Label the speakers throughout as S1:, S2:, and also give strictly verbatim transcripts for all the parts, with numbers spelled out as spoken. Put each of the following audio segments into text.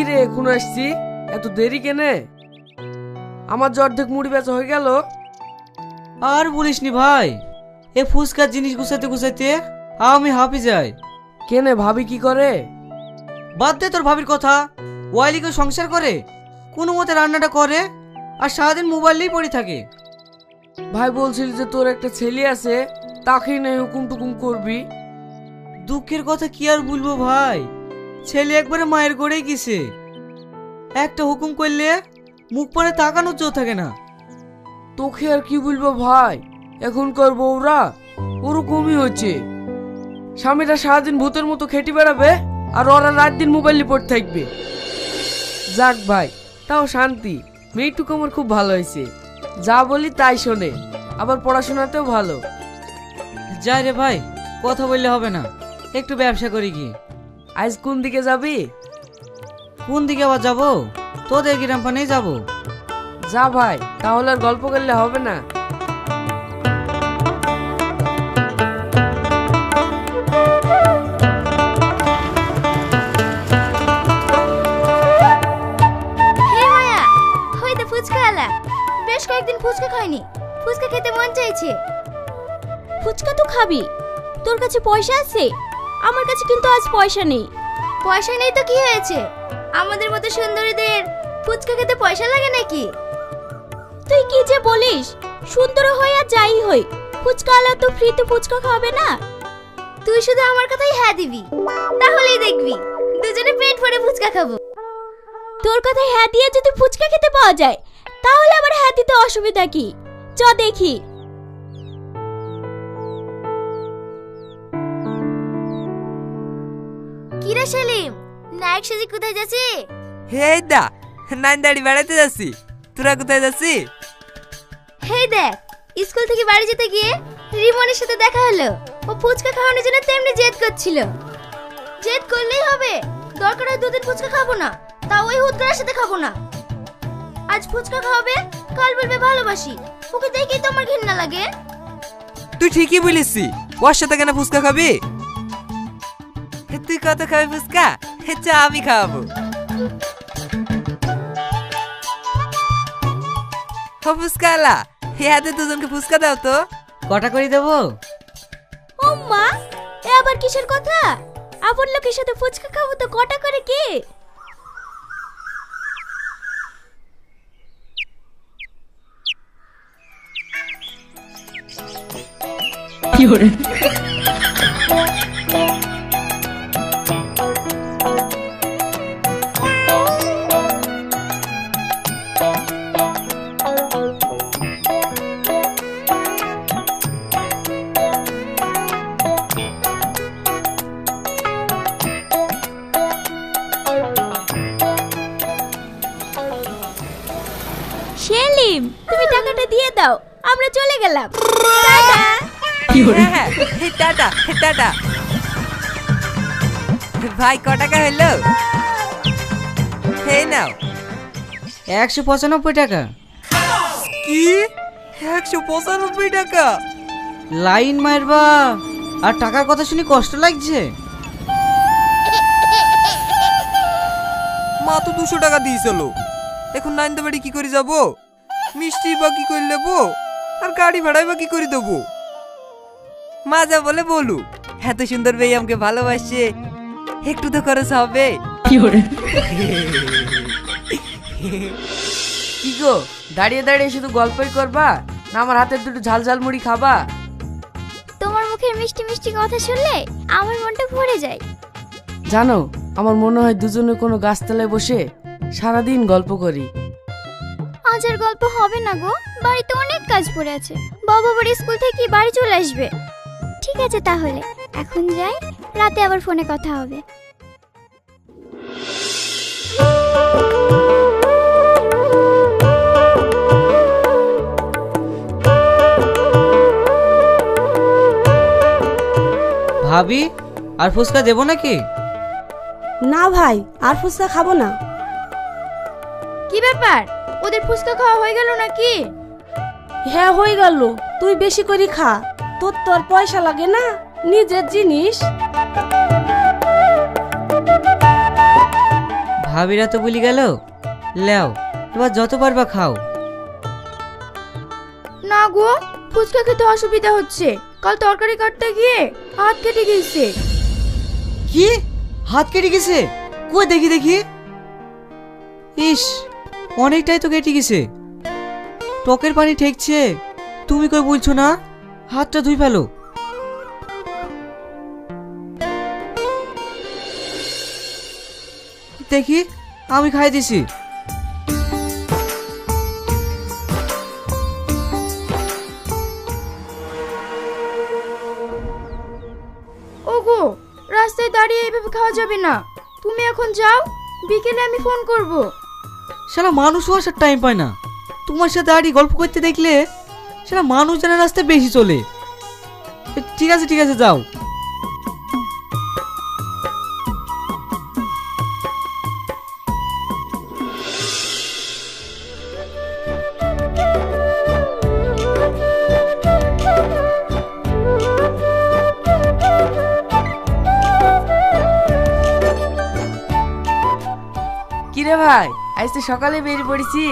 S1: রে এখন আসছি, এত দেরি কেনে? আমার যে অর্ধেক মুড়ি বেচা হয়ে গেল।
S2: আর বলিসনি ভাই, এ ফুচকার জিনিস গুছাইতে গুছাইতে আমি হাঁপি যাই।
S1: কেনে ভাবি কি করে?
S2: বাদ দে তোর ভাবির কথা। ওয়াইলিকে সংসার করে, কোনো মতে রান্নাটা করে, আর সারাদিন মোবাইল নিয়েই পড়ে থাকে।
S1: ভাই বলছিল যে তোর একটা ছেলে আছে, তাকেই নাই হুকুম টুকুম করবি।
S2: দুঃখের কথা কি আর বলবো ভাই, ছেলে একবারে মায়ের গড়েই গেছে। একটা হুকুম করলে মুখ পরে তাকানোর জো থাকে না।
S1: তোকে আর কি বলবো ভাই, এখনকার বউরা ওরকমই হচ্ছে। স্বামীরা সারাদিন ভূতের মতো খেটে বেড়াবে, আর ওরা রাত দিন মোবাইল নিয়ে পড়ে থাকবে। যাক ভাই, তাও শান্তি। মেয়েটুকু আমার খুব ভালো হয়েছে, যা বলি তাই শোনে, আবার পড়াশোনাতেও ভালো।
S2: যাই রে ভাই, কথা বললে হবে না, একটু ব্যবসা করি কি।
S1: আজ কোন দিকে যাবি?
S2: কোন দিকে আবার যাবো? তোদের গ্রাম পানেই যাবো।
S1: যা ভাই, তাহলে আর গল্প করলে হবে না।
S3: হে মায়া, ওই তো ফুচকা আলা। বেশ কয়েকদিন ফুচকা খাইনি, ফুচকা খেতে মন চাইছে। ফুচকা তো খাবি, তোর কাছে পয়সা আছে? আমার কাছে কিন্তু আজ পয়সা নেই। পয়সা নেই তো কি হয়েছে? আমাদের মতো সুন্দরীদের ফুচকা খেতে পয়সা লাগে নাকি? তুই কি যে বলিস, সুন্দর হই আর যাই হই, ফুচকা আলা তো ফ্রিতে ফুচকা খাবে না। তুই শুধু আমার কথাই হ্যাঁ দিবি, তাহলেই দেখবি দুজনে পেট ভরে ফুচকা খাবো। তোর কথাই হ্যাঁ দিয়ে যদি ফুচকা খেতে পাওয়া যায়, তাহলে আবার হ্যাঁ দিতে অসুবিধা কি? চ দেখি। কিরে সেলিম, নায়ক সেজে কোথায় যাচ্ছি?
S4: হে দা, নাইন দাড়ি বেড়াতে যাচ্ছি। তোরা কোথায় যাচ্ছি?
S3: হেই দেখ, স্কুল থেকে বাড়ি যেতে গিয়ে রিমনের সাথে দেখা হলো। ও ফুচকা খাওয়ানোর জন্য তেমনি জেদ করছিল। জেদ করলেই হবে? দরকার হয় দুদিন ফুচকা খাবো না, তাও ওই হুদগার সাথে খাবো না। আজ ফুচকা খাওয়াবে, কাল বলবে ভালোবাসি। ওকে দেখেই তো আমার ঘৃণা লাগে।
S4: তুই ঠিকই বলিসি, ওর সাথে কেন ফুচকা খাবি? তুই কত খাবি ফুচকা? চা আমি খাওয়াবো। ফুচকা আলা, হাতে দুজনকে ফুচকা দাও তো।
S2: কটা করে দেবো?
S3: ও মা, এ আবার কিসের কথা? আপন লোকের সাথে ফুচকা খাবো তো কটা করে কি?
S1: কি করে?
S3: সেলিম, তুমি টাকাটা দিয়ে দাও, আমরা চলে গেলাম। টাটা।
S4: হ্যাঁ, টাটা টাটা। ভাই ক টাকা হইলো? এই নাও।
S2: একশো পঁচানব্বই টাকা।
S4: কি? একশো পঁচানব্বই টাকা?
S2: লাইন মারবা আর টাকার কথা শুনি কষ্ট লাগছে।
S4: মা তো দুশো টাকা দিয়েছিল। এখন নাইন বাড়ি কি করে যাবো? মিষ্টি বা কি করে নেবো, আর গাড়ি ভাড়াই বা কি করে দেবো? মা যা বলে বলু, এত সুন্দর মেয়ে আমাকে ভালোবাসে, একটু তো খরচ হবে।
S1: কি করে? কি গো, দাঁড়িয়ে দাঁড়িয়ে শুধু গল্পই করবা না আমার হাতের দুটো ঝাল ঝাল মুড়ি খাবা?
S3: তোমার মুখের মিষ্টি মিষ্টি কথা শুনলে আমার মনটা ভরে যায়।
S1: জানো, আমার মনে হয় দুজনে কোনো গাছতলায় বসে সারাদিন গল্প করি।
S3: আজ আর গল্প হবে না গো, বাড়িতে অনেক কাজ পড়ে আছে। বাবা বাড়ি স্কুল থেকে বাড়ি চলে আসবে। ঠিক আছে তাহলে এখন যাই, রাতে আবার ফোনে কথা হবে।
S2: ভাবি, আর ফুচকা দেবো নাকি?
S5: না ভাই, আর ফুচকা খাবো না।
S3: কি ব্যাপার, ওদের ফুচকা খাওয়া হয়ে গেল নাকি?
S5: হ্যাঁ হয়ে গেল, তুই বেশি করে খা, তোর তোর পয়সা লাগে না, নিজের জিনিস।
S2: ভাবিরা তো বলি গেল, লেও এবার যত পারবা খাও।
S3: না গো, ফুচকা খেতে অসুবিধা হচ্ছে। কাল তরকারি কাটতে গিয়ে হাত কেটে গিয়েছে।
S2: কি হাত কেটে গেছে? কই দেখি দেখি। ইস, অনেকটাই তো কেটে গেছে। টকের পানি ঠেকছে, তুমি কই বলছো না? হাতটা ধুই ফেলো। দেখি, আমি খাই দিছি।
S3: ওগো, রাস্তায় দাঁড়িয়ে এইভাবে খাওয়া যাবে না। তুমি এখন যাও, বিকেলে আমি ফোন করব।
S2: সারা মানুষও আসার টাইম পায় না। তোমার সাথে দাঁড়িয়ে গল্প করতে দেখলে সারা মানুষ জানার রাস্তায় বেশি চলে। এ, ঠিক আছে ঠিক আছে, যাও।
S1: কিরে ভাই, আজ তো সকালে বেরিয়ে পড়েছি।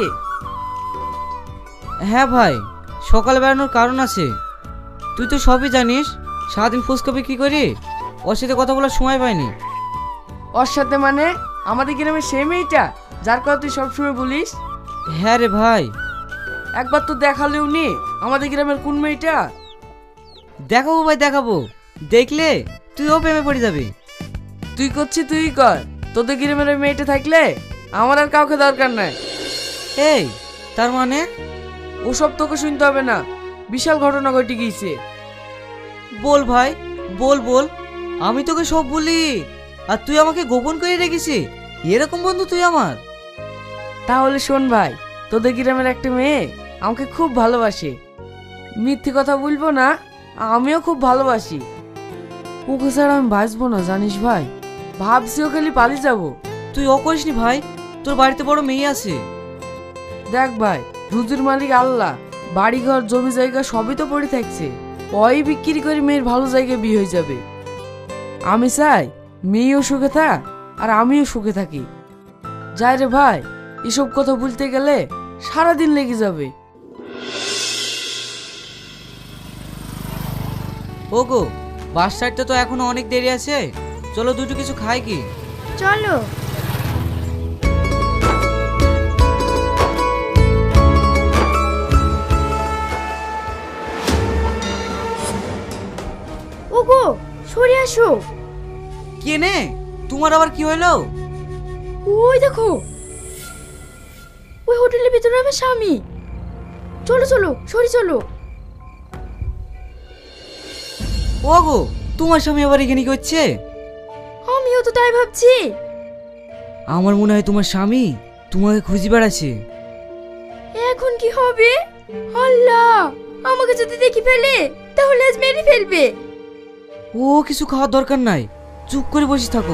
S2: হ্যাঁ ভাই, সকালে বেড়ানোর কারণ আছে। তুই তো সবই জানিস, সারাদিন ফুচকা বিক্রি করি, ওর সাথে কথা বলার সময় পাইনি।
S1: ওর সাথে মানে আমাদের গ্রামের সেই মেয়েটা যার কথা তুই সবসময় বলিস?
S2: হ্যাঁ রে ভাই।
S1: একবার তো দেখালেও নি আমাদের গ্রামের কোন মেয়েটা।
S2: দেখাবো ভাই দেখাবো, দেখলে তুইও প্রেমে পড়ে যাবি।
S1: তুই করছিস তুই কর, তোদের গ্রামের ওই মেয়েটা থাকলে আমার আর কাউকে দরকার নাই।
S2: এই তার মানে?
S1: ওসব তোকে শুনতে হবে না, বিশাল ঘটনা ঘটে গিয়েছে।
S2: বল ভাই, বল বল। আমি তোকে সব বলি আর তুই আমাকে গোপন করে রেখেছি? এরকম বন্ধু তুই আমার?
S1: তাহলে শোন ভাই, তোদের গ্রামের একটা মেয়ে আমাকে খুব ভালোবাসে। মিথ্যে কথা বলবো না, আমিও খুব ভালোবাসি। ওকে ছাড়া আমি বাঁচবো না জানিস ভাই। ভাবছি ও খালি পালিয়ে যাবো।
S2: তুই ও করিসনি ভাই, তোর বাড়িতে বড় মেয়ে আছে।
S1: দেখ ভাই, রুজির মালিক আল্লাহ, বাড়ি ঘর জমি জায়গা সবই তো পড়ে থাকছে। ওই বিক্রি করে মেয়ের ভালো জায়গায় বিয়ে হয়ে যাবে। আমি চাই মেয়েও সুখে থাক আর আমিও সুখে থাকি। যাই রে ভাই, এসব কথা বলতে গেলে সারাদিন লেগে যাবে।
S2: ওগো, বাস সাইডটা তো এখনো অনেক দেরি আছে, চলো দুটো কিছু খাই কি?
S3: চলো। ওগো, সরে আসো।
S2: কেনে, তোমার আবার কি হইলো?
S3: ওই দেখো, ওই হোটেলের ভিতরে আমার স্বামী। চলো চলো, সরে চলো।
S2: ওগো, তোমার স্বামী আবার এখানে কি হচ্ছে?
S3: আমিও তো তাই ভাবছি।
S2: আমার মনে হয় তোমার স্বামী তোমাকে খুঁজে বেড়াচ্ছে।
S3: এখন কি হবে? আল্লাহ, আমাকে যদি দেখি ফেলে তাহলে আজ মেরে ফেলবে।
S2: ও কিছু খাওয়ার দরকার নাই, চুপ করে বসে থাকো।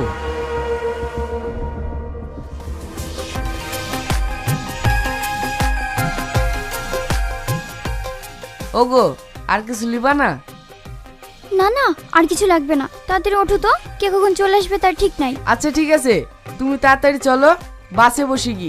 S1: ওগো, আর কিছু লিবা না?
S3: না না, আর কিছু লাগবে না। তাড়াতাড়ি ওঠো তো, কে কখন চলে আসবে তার ঠিক নাই।
S1: আচ্ছা ঠিক আছে, তুমি তাড়াতাড়ি চলো, বাসে বসে গি।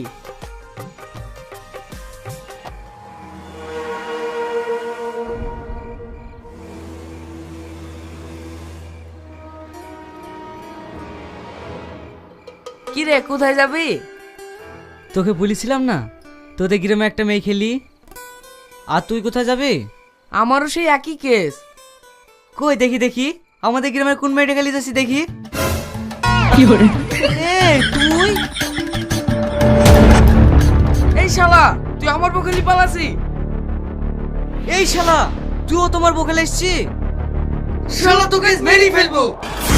S1: কি রে, কোথায় যাবি?
S2: তোকে বলেছিলাম না তোদের গ্রামে একটা মেয়ে খেলি। আর তুই কোথায় যাবি?
S1: আমারও সেই একই কেস।
S2: কই দেখি দেখি, আমাদের গ্রামের কোন মেয়েটা খেলি যাচ্ছি দেখি। এই তুই?
S1: এই শালা, তুই আমার পক্ষে লিপালাসি।
S2: এই শালা, তুইও তোমার বকেলে এসছি?
S1: শালা তোকে মেরেই ফেলবো।